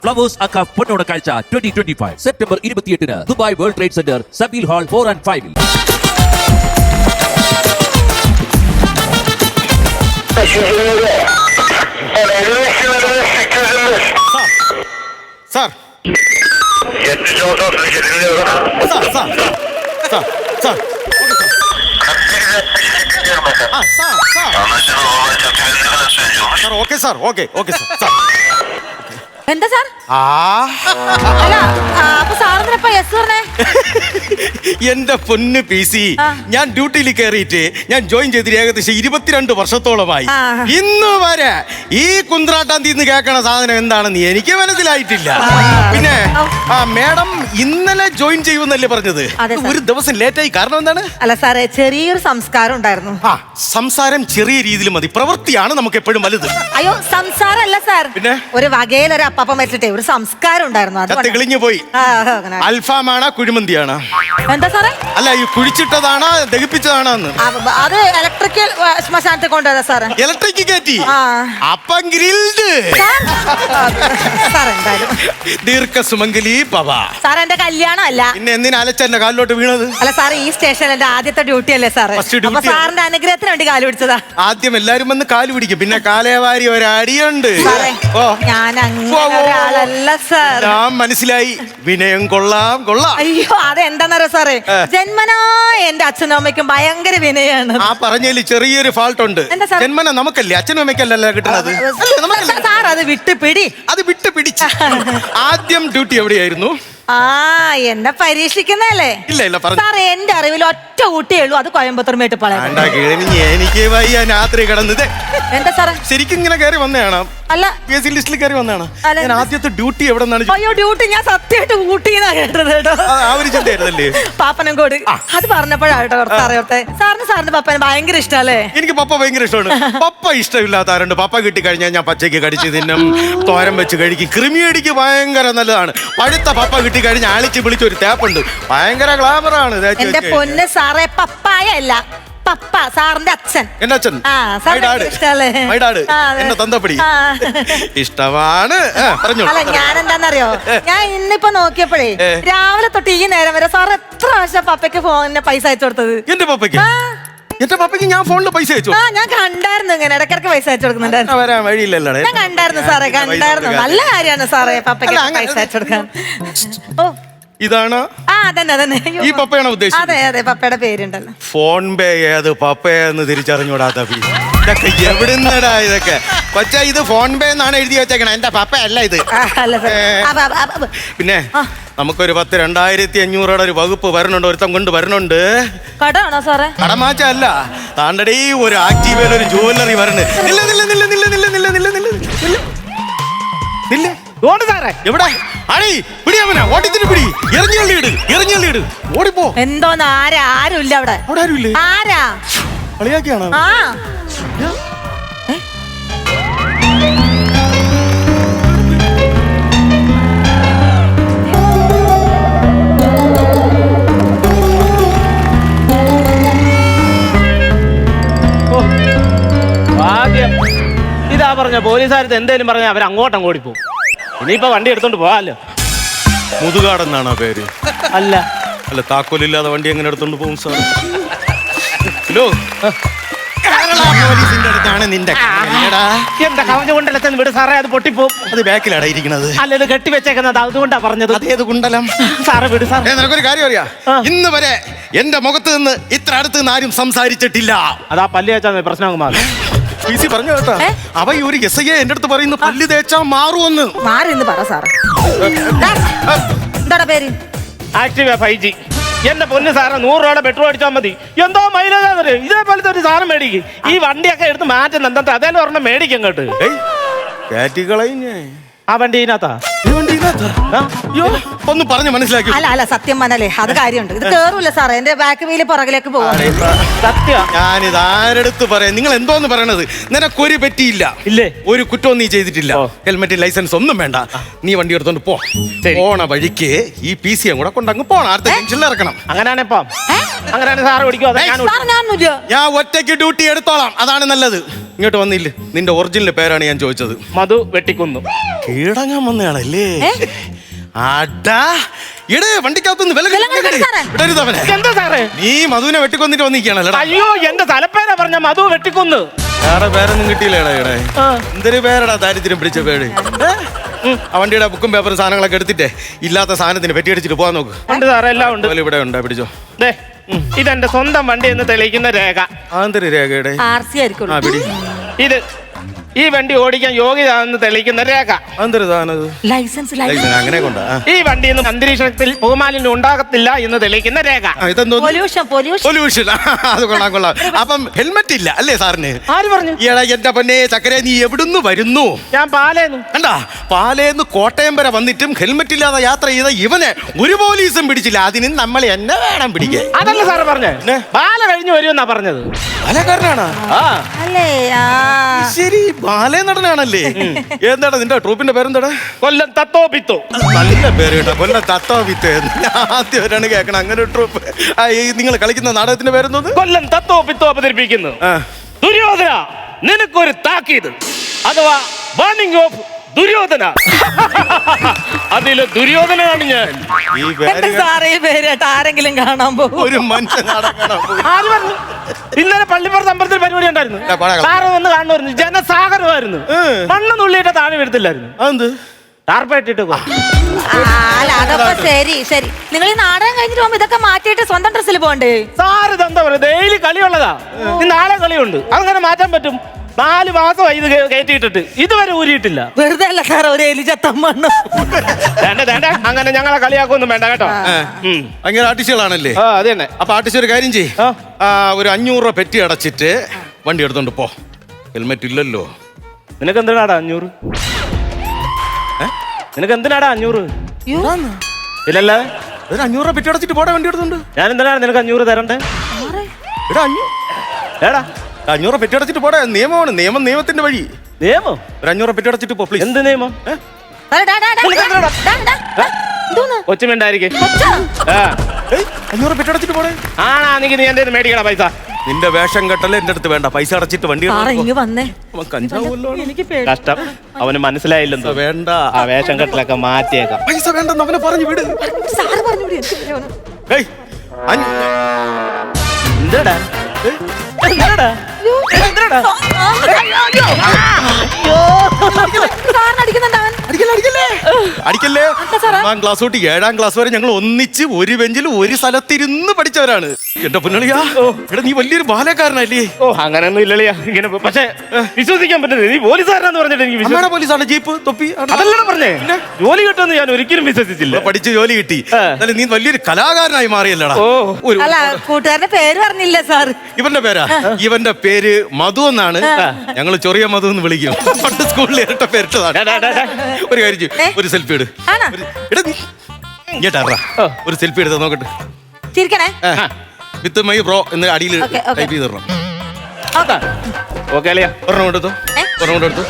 Flowers അക്ക പൊന്നോണ കാഴ്ച 2025 സെപ്റ്റംബർ 28-ന് Dubai World Trade Centre Zabeel hall 4 and 5-ൽ. Sir okay sir okay okay sir എന്താ സാർ? അല്ല അപ്പൊ സാറിനപ്പ യെസ് പറഞ്ഞേ? എന്റെ പൊന്ന് പി സി, ഞാൻ ഡ്യൂട്ടിയിൽ കയറിയിട്ട് ഞാൻ ജോയിൻ ചെയ്തിട്ട് ഏകദേശം 22 വർഷത്തോളമായി. ഇന്ന് വരെ ഈ കുന്ത്രാട്ടാന്തി കേൾക്കണ സാധനം എന്താണെന്ന് എനിക്ക് മനസ്സിലായിട്ടില്ല. പിന്നെ മേഡം ഇന്നലെ ജോയിൻ ചെയ്യുമെന്നല്ലേ പറഞ്ഞത്? ഒരു ദിവസം ലേറ്റായി, കാരണം എന്താണ്? അല്ല സാറേ, ചെറിയൊരു സംസ്കാരം ഉണ്ടായിരുന്നു. സംസാരം ചെറിയ രീതിയിൽ മതി, പ്രവൃത്തിയാണ് നമുക്ക് എപ്പോഴും വലുത്. അയ്യോ, സംസാരം അല്ല സാർ, പിന്നെ ഒരു വകയിലൊരു അപ്പം വെച്ചിട്ടേ ഒരു സംസ്കാരം ഉണ്ടായിരുന്നു. കിളിഞ്ഞു പോയി. അൽഫാമാണോ കുഴിമന്തിയാണോ? എന്താ സാറേ? അല്ല, ഈ കുഴിച്ചിട്ടതാണോ ദഹിപ്പിച്ചതാണോ? അത് ഇലക്ട്രിക്കൽ ശ്മശാനത്തിൽ കൊണ്ടുവരാ സാറേ. ഇലക്ട്രിക് കയറ്റി അപ്പം ഗ്രിൽഡ്. ദീർഘ സുമംഗലി പവ. സാർ എന്റെ കല്യാണം അല്ല, പിന്നെ എന്തിനാ അലച്ചെന്റെ കാലിലോട്ട് വീണത്? അല്ല സാർ, ഈ സ്റ്റേഷനിൽ എന്റെ ആദ്യത്തെ ഡ്യൂട്ടി അല്ലേ സാറേ? അപ്പൊ സാറിന്റെ അനുഗ്രഹത്തിന് വേണ്ടി കാല് പിടിച്ചതാ. ആദ്യം എല്ലാരും വന്ന് കാല് പിടിക്കും, പിന്നെ കാലേവാരി ഒരടിയുണ്ട്. ഞാൻ ഒരാളല്ല സാർ. ഞാൻ മനസ്സിലായി, വിനയം കൊള്ളാം കൊള്ളാം. അയ്യോ, അതെന്താന്നറിയോ സാറേ, ജന്മനാ എന്റെ അച്ഛനും അമ്മയ്ക്കും ഭയങ്കര വിനയാണ്. ആ പറഞ്ഞതിൽ ചെറിയൊരു ഫാൾട്ട് ഉണ്ട്. ജന്മന നമുക്കല്ലേ, അച്ഛനും അമ്മയ്ക്കല്ലല്ലോ കിട്ടുന്നത്. സാർ അത് വിട്ട് പിടി. അത് വിട്ട് പിടിച്ച്. ആദ്യം ഡ്യൂട്ടി എവിടെയായിരുന്നു? എന്നെ പരീക്ഷിക്കുന്നല്ലേ? ഇല്ല ഇല്ല, സാർ എന്റെ അറിവിൽ ഒറ്റ ഊട്ടിയേ ഉള്ളൂ, അത് കോയമ്പത്തൂർ മേട്ടുപ്പാളയം. എനിക്ക് വയ്യ രാത്രി കിടന്നത്. എന്താ സാറേ? ശരിക്കും ഇങ്ങനെ കയറി വന്നതാണ്? അല്ല, ലിസ്റ്റിൽ കയറി വന്നതാണ്. ഞാൻ ആദ്യത്തെ ഡ്യൂട്ടി എവിടെ നിന്നാണ്? അയ്യോ, ഡ്യൂട്ടി ഞാൻ സത്യമായിട്ട് ഊട്ടിന്നാ കേട്ടത് കേട്ടോ. ആ ഒരു ചിന്തയായിരുന്നല്ലേ? പാപ്പനംകോട്. അത് പറഞ്ഞപ്പോഴാട്ടോ അറിയോട്ടെ. സാറിന്റെ പപ്പനെ ഭയങ്കര ഇഷ്ടല്ലേ? എനിക്ക് പപ്പ ഭയങ്കര ഇഷ്ടമാണ്. പപ്പ ഇഷ്ടമില്ലാത്ത ആരുണ്ട്? പപ്പ കിട്ടിക്കഴിഞ്ഞാൽ ഞാൻ പച്ചയ്ക്ക് കടിച്ച് തിന്നും, തോരൻ വെച്ച് കഴിക്കും. കൃമിയടിക്ക് ഭയങ്കര നല്ലതാണ്. പഴുത്ത പപ്പ കിട്ടിക്കഴിഞ്ഞാൽ ആളിച്ച് വിളിച്ചൊരു തേപ്പുണ്ട്, ഭയങ്കര ഗ്ലാമറാണ്. എന്റെ പൊന്ന് സാറേ, പപ്പായ അല്ല, പപ്പ, സാറിന്റെ അച്ഛൻ. എന്റെ അച്ഛൻ എന്നെ തന്തപ്പടി ഇഷ്ടമാണ്. അല്ല, ഞാൻ എന്താന്നറിയോ, ഞാൻ ഇന്നിപ്പോ നോക്കിയപ്പോഴേ രാവിലെ തൊട്ട് ഈ നേരം വരെ സാർ എത്ര പ്രാവശ്യം പപ്പയ്ക്ക് ഫോണിന് പൈസ അയച്ചു കൊടുത്തത്? എന്റെ പപ്പയ്ക്ക്? എന്റെ പപ്പയ്ക്ക് ഞാൻ ഫോണിൽ പൈസ അയച്ചു? ഞാൻ കണ്ടായിരുന്നു, ഇങ്ങനെ ഇടക്കിടക്ക് പൈസ അയച്ചു കൊടുക്കുന്നുണ്ടായിരുന്നു. വരാൻ വഴിയില്ലല്ലോ. ഞാൻ കണ്ടായിരുന്നു സാറേ, കണ്ടായിരുന്നു. നല്ല കാര്യമാണ് സാറേ പപ്പയ്ക്ക് പൈസ അയച്ചു കൊടുക്കാൻ. ഓ, ഇതാണ്? അതന്നെ. ഈ പപ്പയാണോ ഉദ്ദേശിച്ചത്? അതെ അതെ, പപ്പയുടെ പേരുണ്ടല്ലോ. ഫോൺ പേ ഏത് പപ്പയെന്ന് തിരിച്ചറിഞ്ഞൂടാത്ത ഇതൊക്കെ എവിടുന്നടാ ഇതൊക്കെ? പക്ഷേ ഇത് ഫോൺ പേ എന്നാണ് എഴുതി വെച്ചേക്കണേ, എന്റെ പപ്പ അല്ല ഇത്. പിന്നെ നമുക്കൊരു 2,500 ഒരു വകുപ്പ് വരണുണ്ട്, ഒരുത്തം കൊണ്ട് വരണുണ്ട്. കടമാണോ സാറേ? കടമാച്ച അല്ല, താണ്ടടി ഒരു ആക്റ്റീവയിൽ ഒരു ജുവല്ലറി വരണേ. എവിടെ അടി പിടിയാമനാ? ഓട്ടിച്ചിട്ട് പിടി, എറിഞ്ഞള്ളിയിട്, ഓടിപ്പോ. എന്തോന്ന്? ആരും ഇല്ല അവിടെ. അവിടെ ആരും ഇല്ലേ? ആരാ കളിയാക്കിയാണോ? ആദ്യം ഇതാ പറഞ്ഞ പോലീസുകാരത്ത് എന്തേലും പറഞ്ഞാൽ അവർ അങ്ങോട്ടും ഓടിപ്പോവും. ഇനിയിപ്പോ വണ്ടി എടുത്തോണ്ട് പോവാല്ലോ. മുതുകാടെന്നാണോ പേര്? അല്ല, താക്കോലില്ലാതെ വണ്ടി എങ്ങനെ എടുത്തോണ്ട് പോകും സാർ? ഹലോ, പോലീസിന്റെ അടുത്താണ് നിന്റെ എന്റെ കവഞ്ഞ കുണ്ടലത്തിന് വിട് സാറേ, അത് പൊട്ടിപ്പോവും. അത് ബാക്കിലാണ് ഇരിക്കുന്നത്. അല്ല, ഇത് കെട്ടിവെച്ചേക്കുന്നത്, അതുകൊണ്ടാ പറഞ്ഞത്. അതേത് കുണ്ടലം സാറ് വിട് സാർ. നിനക്കൊരു കാര്യം അറിയാ? ഇന്ന് വരെ എന്റെ മുഖത്ത് നിന്ന് ഇത്ര അടുത്ത് നിന്ന് ആരും സംസാരിച്ചിട്ടില്ല. അതാ പല്ല് തേച്ചാ പ്രശ്നം മാറും. PC പറഞ്ഞു കേട്ടാ, അവ ഒരു SI എന്റെ അടുത്ത് പറയുന്നു പല്ല് തേച്ചാ മാറുമെന്ന്. മാറിന്ന് പറ സാറേ. എന്താ പേര്? Activa 5G. എന്റെ പൊന്ന് സാറേ, 100 രൂപയുടെ പെട്രോൾ അടിച്ചാൽ മതി. എന്തോ മൈലേജ്. ഇതേപോലത്തെ ഒരു സാധനം മേടിക്കും. ഈ വണ്ടിയൊക്കെ എടുത്ത് മാറ്റുന്ന എന്താ? അതേലും ഒരെണ്ണം മേടിക്കും കേട്ട്. ആ വണ്ടി ഇതിനകത്താ? ഒന്ന് പറഞ്ഞ് മനസ്സിലാക്കി. അല്ല, സത്യം പറഞ്ഞാലേ അത് കാര്യമുണ്ട്. ഇത് കേറൂല സാറേ, എന്റെ ബാക്ക് വീല് പുറകിലേക്ക് പോകും. സത്യം. ഞാനിത് ആരെടുത്ത് പറയാം? നിങ്ങൾ എന്തോന്ന് പറയണത്? നിനക്കൊരു പറ്റിയില്ല, ഇല്ലേ? ഒരു കുറ്റവും നീ ചെയ്തിട്ടില്ല. ഹെൽമെറ്റ്, ലൈസൻസ് ഒന്നും വേണ്ട. നീ വണ്ടി എടുത്തോണ്ട് പോ. പോണ വഴിക്ക് ഈ PC കൂടെ കൊണ്ടങ്ങ് പോണം. അടുത്ത ജംഗ്ഷനിൽ ഇറക്കണം. അങ്ങനെയാണ് സാറ് ഓടിക്കും. ഞാൻ ഒറ്റയ്ക്ക് ഡ്യൂട്ടി എടുത്തോളാം, അതാണ് നല്ലത്. ഇങ്ങോട്ട് വന്നില്ലേ? നിന്റെ ഒറിജിനൽ പേരാണ് ഞാൻ ചോദിച്ചത്. മധു വെട്ടിക്കുന്നു. കീഴടങ്ങാൻ വന്നയാളല്ലേ? ആടാ ഇടേ വണ്ടിക്കകത്തുനിന്ന് വിടരുതവനെ. എന്താ സാറേ നീ മധുവിനെ വെട്ടിക്കൊന്നിട്ട് വന്നിരിക്കുകയാണല്ലോ. അയ്യോ എന്റെ തലപ്പേരാ പറഞ്ഞ മധു വെട്ടിക്കുന്നു. വേറെ പേരൊന്നും കിട്ടിയില്ലേടാ ഇവിടെ? എന്തൊരു പേരടാ ദാരിദ്ര്യം പിടിച്ച പേര്. ആ വണ്ടിയുടെ ബുക്കും പേപ്പറും സാധനങ്ങളൊക്കെ എടുത്തിട്ടേ ഇല്ലാത്ത സാധനത്തിന് പെറ്റിയടിച്ചിട്ട് പോകാൻ നോക്ക്. ഉണ്ട് സാറേ, എല്ലാം ഉണ്ട്. ഇവിടെ ഉണ്ടാ, പിടിച്ചോ. ഇതെന്റെ സ്വന്തം വണ്ടി എന്ന് തെളിയിക്കുന്ന രേഖ. ആന്തരി രേഖയുടെ RC ആയിരിക്കും. ആ പിടി. ഇത് ഈ വണ്ടി ഓടിക്കാൻ യോഗ്യതാണെന്ന് തെളിയിക്കുന്ന രേഖ. ആന്തരി സാധനം ലൈസൻസ് അങ്ങനെ കൊണ്ടാ. ഈ വണ്ടിയിൽ നിന്ന് അന്തരീക്ഷത്തിൽ പുകമാലിന്യം ഉണ്ടാകത്തില്ല എന്ന് തെളിയിക്കുന്ന രേഖ. ഇതെന്തോ പൊല്യൂഷൻ. അത് കൊള്ളാം. അപ്പം ഹെൽമെറ്റ് ഇല്ല അല്ലേ സാറിന്? ആര് പറഞ്ഞു? ഈടാ എന്റെ പൊന്നെ ചക്കരെ, നീ എവിടുന്ന് വരുന്നു? ഞാൻ പാലേന്നു. കണ്ടാ, പാലേന്ന് കോട്ടയം വരെ വന്നിട്ടും ഹെൽമെറ്റ് ഇല്ലാതെ യാത്ര ചെയ്ത ഇവനെ ഒരു പോലീസും പിടിച്ചില്ല. അതിന് നമ്മൾ എന്നെ വേണം പിടിക്കാൻ. അതല്ല സാറ് പറഞ്ഞേ, പാല കഴിഞ്ഞു വരുമെന്നാ പറഞ്ഞത്. പാലക്കാരനാണോ? അല്ലേ? ശരി, ബാലേ നടനാണല്ലേ? എന്താടാ നിന്റെ ട്രൂപ്പിന്റെ പേരെന്താടാ? കൊല്ലം തത്തോപിത്തോ. നല്ല പേര് കേട്ടോ, കൊല്ലം തത്തോപിത്തോ. ആദ്യവരാണ് കേൾക്കണം അങ്ങനെ ഒരു ട്രൂപ്പ്. നിങ്ങൾ കളിക്കുന്ന നാടകത്തിന്റെ പേരെന്തോന്ന്? കൊല്ലം തത്തോപിത്തോ അവതരിപ്പിക്കുന്നു. ദുര്യോധന, നിനക്കൊരു താക്കീത് അഥവാ വാർണിംഗ് ഓഫ് ദുര്യോധന. അതില് ദുര്യോധനാണ് ഞാൻ. ഈ പേര് സാറേ പേരായിട്ട് ആരെങ്കിലും കാണാൻ പോകും? ഒരു മനുഷ്യൻ നാടകം കാണാൻ പോയി. ആര് പറഞ്ഞു? ഇന്നലെ പള്ളിപ്പുറത്ത് അമ്പലത്തിൽ പരിപാടി ഉണ്ടായിരുന്നു. സാറ് വന്ന് കാണുമായിരുന്നു. ജനസാഗരമായിരുന്നു. മണ്ണ് നുള്ളിയിട്ട് താഴെ വീഴത്തില്ലായിരുന്നു. അതെന്ത് ടാർപ്പായിട്ടിട്ട് അല്ല അതൊക്കെ ശരി ശരി. നിങ്ങൾ ഈ നാടകം കഴിഞ്ഞിട്ട് പോകുമ്പോ ഇതൊക്കെ മാറ്റിയിട്ട് സ്വന്തം ഡ്രസ്സിൽ പോകണ്ടേ? സാറ് ഇതെന്താ പറയുക? ഡെയിലി കളിയുള്ളതാ. നാളെ കളിയുണ്ട്. അതങ്ങനെ മാറ്റാൻ പറ്റും? 4 മാസമായി ഇത് കയറ്റിയിട്ടിട്ട് ഇതുവരെ ഊരിയിട്ടില്ല. വെറുതെ അല്ല സാറേ, ഒരു എലിചത്തം മണ്ണ്. അങ്ങനെ ഞങ്ങളെ കളിയാക്കൊന്നും വേണ്ട കേട്ടോ. അങ്ങനെ ആർട്ടിസ്റ്റുകളാണല്ലേ? അത് തന്നെ. അപ്പൊ ആർട്ടിസ്റ്റ് ഒരു കാര്യം ചെയ്യ്, ഒരു 500 രൂപ പെറ്റി അടച്ചിട്ട് വണ്ടി എടുത്തോണ്ട് പോ. ഹെൽമെറ്റ് ഇല്ലല്ലോ. നിനക്ക് എന്തിനാടാ 500? നിനക്ക് എന്തിനാടാ 500? ഇല്ലല്ലേ, ഒരു 500 രൂപ പെറ്റി അടച്ചിട്ട് പോടാ വണ്ടി എടുത്തോണ്ട്. ഞാൻ എന്തിനാണ് നിനക്ക് 500 തരണ്ടേ? ഏടാ 500 രൂപ പെറ്റി അടച്ചിട്ട് പോടാ. നിയമമാണ്, നിയമത്തിന്റെ വഴി. നിയമം? ഒരു 500 രൂപ പെറ്റി അടച്ചിട്ട് പോ പ്ലീസ്. എന്ത് നിയമം? കൊച്ചുമിണ്ടായിരിക്കും. 500 പെറ്റി അടച്ചിട്ട് പോടേ. ആണാ നീ എന്റെ മേടിക്കണ പൈസ. നിന്റെ വേഷം കെട്ടല്ലേ എന്റെ അടുത്ത് വേണ്ട. പൈസ അടച്ചിട്ട് വണ്ടി വന്നേ. എനിക്ക് കഷ്ടം, അവന് മനസ്സിലായില്ലെന്തോ. വേണ്ട, ആ വേഷം കെട്ടിലൊക്കെ മാറ്റിയേക്കാം. പൈസ വേണ്ടെന്ന് അവനെ പറഞ്ഞു വിട്. സാറ് പറഞ്ഞു വിട്. എന്താടാ അടിക്കല്ലേ. 1 ക്ലാസ് തൊട്ട് 7ാം ക്ലാസ് വരെ ഞങ്ങൾ ഒന്നിച്ച് ഒരു ബെഞ്ചിൽ ഒരു സ്ഥലത്തിരുന്ന് പഠിച്ചവരാണ്. എന്റെ പൊന്നളിയാ, എടാ നീ വലിയൊരു ബാലക്കാരനല്ലേ? ഓ അങ്ങനെയൊന്നും ഇല്ലളിയാ. ഇങ്ങനെ പക്ഷെ വിശ്വസിക്കാൻ പറ്റുന്നത് നീ പോലീസുകാരനാന്ന് പറഞ്ഞിട്ട് എനിക്ക് പോലീസാണ്, ജീപ്പ് തൊപ്പി അതല്ലേ പറഞ്ഞേ. ജോലി കിട്ടുമെന്ന് ഞാൻ ഒരിക്കലും വിശ്വസിച്ചില്ല. പഠിച്ച് ജോലി കിട്ടി. എന്നാലും നീ വലിയൊരു കലാകാരനായി മാറിയല്ലടാ. അല്ല കൂട്ടുകാരന്റെ പേര് പറഞ്ഞില്ല സാർ. ഇവന്റെ പേരാ? ഇവന്റെ പേര് മധു എന്നാണ്. ഞങ്ങൾ ചൊറിയ മധു എന്ന് വിളിക്കും. പണ്ട് സ്കൂളിൽ ഇരട്ട പേരിട്ടതാണ്. ഒരു കാര്യം ചെയ്യും, ഒരു സെൽഫി എടു. ഒരു സെൽഫി എടുത്താ നോക്കട്ടെ. ചിരിക്കണേ. വിത്ത് മൈ ബ്രോ എന്ന് അടിയിൽ ടൈപ്പ് ചെയ്ത് തരണം. ഒരെണ്ണം കൊണ്ടെടുത്തു, ഒരെണ്ണം കൊണ്ടെടുത്തു.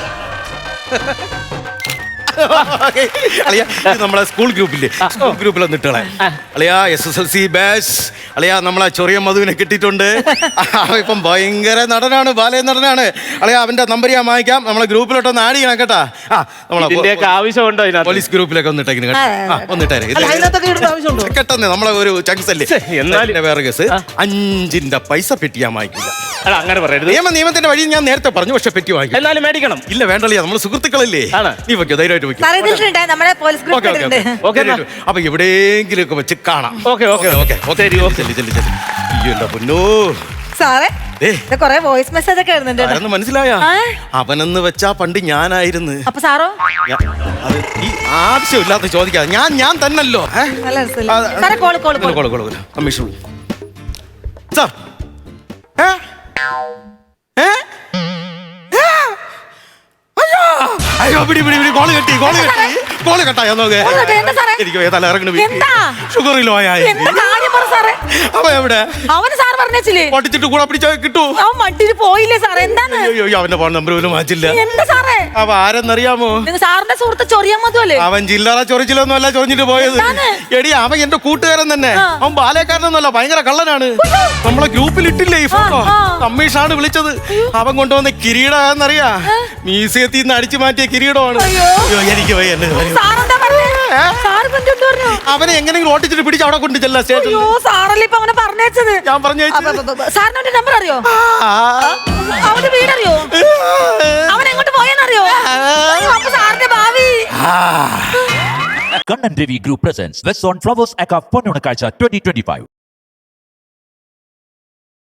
അളിയാ നമ്മളെ സ്കൂൾ ഗ്രൂപ്പില്ലേ, സ്കൂൾ ഗ്രൂപ്പിൽ വന്നിട്ടളെ അളിയാ SSLC ബാച്ച് അളിയാ നമ്മളെ ചൊറിയ മധുവിനെ കിട്ടിയിട്ടുണ്ട്. ഇപ്പം ഭയങ്കര നടനാണ്, ബാലയ നടനാണ്. അളിയാ അവന്റെ നമ്പർ ഞാൻ വാങ്ങിക്കാം. നമ്മളെ ഗ്രൂപ്പിലോട്ടൊന്ന് ആഡ് ചെയ്യണം കേട്ടാ. നമ്മളെ ആവശ്യമുണ്ടോ? പോലീസ് ഗ്രൂപ്പിലൊക്കെ ഒന്നിട്ടേക്കിന് ഒന്നിട്ടേ കേട്ടെന്നേ. നമ്മളെ ഒരു ചങ്സ് അല്ലേ. എന്നാലും വേറെ കേസ് 5ന്റെ പൈസ പെറ്റി ഞാൻ വാങ്ങിക്കില്ല. അങ്ങനെ പറയരുത്. നിയമത്തിന്റെ വഴി ഞാൻ നേരത്തെ പറഞ്ഞു, പക്ഷെ പെറ്റി വാങ്ങിക്കും. എന്നാലും മേടിക്കണം. ഇല്ല വേണ്ടല്ലേ, നമ്മള് സുഹൃത്തുക്കളല്ലേ. നീ വെക്കോ, ധൈര്യമായിട്ട് വെക്കും. അപ്പൊ എവിടെയെങ്കിലും ഒക്കെ വെച്ച് കാണാം. സാറേ കൊറേ വോയിസ് മെസ്സേജ് ഒക്കെ വരുന്നുണ്ട്. മനസ്സിലായ? അവനെന്ന് വെച്ചാ പണ്ട് ഞാനായിരുന്നു. അപ്പൊ സാറോ? ഈ ആവശ്യമില്ലാത്ത ചോദിക്കാതെ ഞാൻ തന്നല്ലോ. Commission sir. അയ്യോ പിടി പിടി പിടി, കോള് കെട്ടി കോള് കെട്ടായോ നോക്ക്. എനിക്ക് തല ഇറങ്ങണ ഷുഗറിലോ ആയി. പറ സാറേ. അവ എവിടെ? അവന് സാർ പറഞ്ഞേച്ചില്ലേ ഓട്ടിച്ചിട്ട് കൂടെ പിടിച്ചാൽ കിട്ടൂ. അവൻ മട്ടിന് പോയില്ലേ സാറേ? എന്താണ്? അയ്യോ അവന്റെ ഫോൺ നമ്പർ പോലും മാറ്റില്ല. എന്താ സാറേ? അവ ആരെന്നറിയാമോ? നിങ്ങൾ സാറിന്റെ സുഹൃത്ത് ചൊറിയാൻ മതിയല്ലേ? അവൻ ചില്ലറ ചൊറിച്ചിലൊന്നും അല്ല ചൊറിഞ്ഞിട്ട് പോയത്. എന്താണ്? എടി അവൻ എന്റെ കൂട്ടുകാരൻ തന്നെ. അവൻ ബാലക്കാരനൊന്നുമല്ല, ഭയങ്കര കള്ളനാണ്. നമ്മളെ ഗ്രൂപ്പിൽ ഇട്ടില്ലേ ഈ ഫോട്ടോ? കമ്മീഷാണ് വിളിച്ചത്. അവൻ കൊണ്ടുവന്ന കിരീടം എന്നറിയാ? മ്യൂസിയത്തിൽ നിന്ന് അടിച്ചു മാറ്റിയ കിരീടമാണ്. അയ്യോ. അയ്യോ, എനിക്ക് വയ്യ, എന്നെ വയ്യ. സാറെന്താ പറഞ്ഞേ? സാറ് എന്തുകൊണ്ട് പറഞ്ഞു? അവനെ എങ്ങനെയെങ്കിലും ഓട്ടിച്ചിട്ട് പിടിച്ച് അവിടെ കൊണ്ട് ചെല്ലാം സ്റ്റേഷനിൽ. അയ്യോ സാറല്ലേ ഇപ്പൊ അവനെ പറഞ്ഞേച്ചത്. ഞാൻ പറഞ്ഞു സാറിന് അവന്റെ നമ്പർ അറിയോ? അവന്റെ വീടറിയോ? അവൻ എങ്ങോട്ട് പോയെന്നറിയോ? അപ്പൊ സാറിന്റെ ഭാവി. Kannan Devi Group presents West Zone Flowers Aka Ponnunakazha 2025.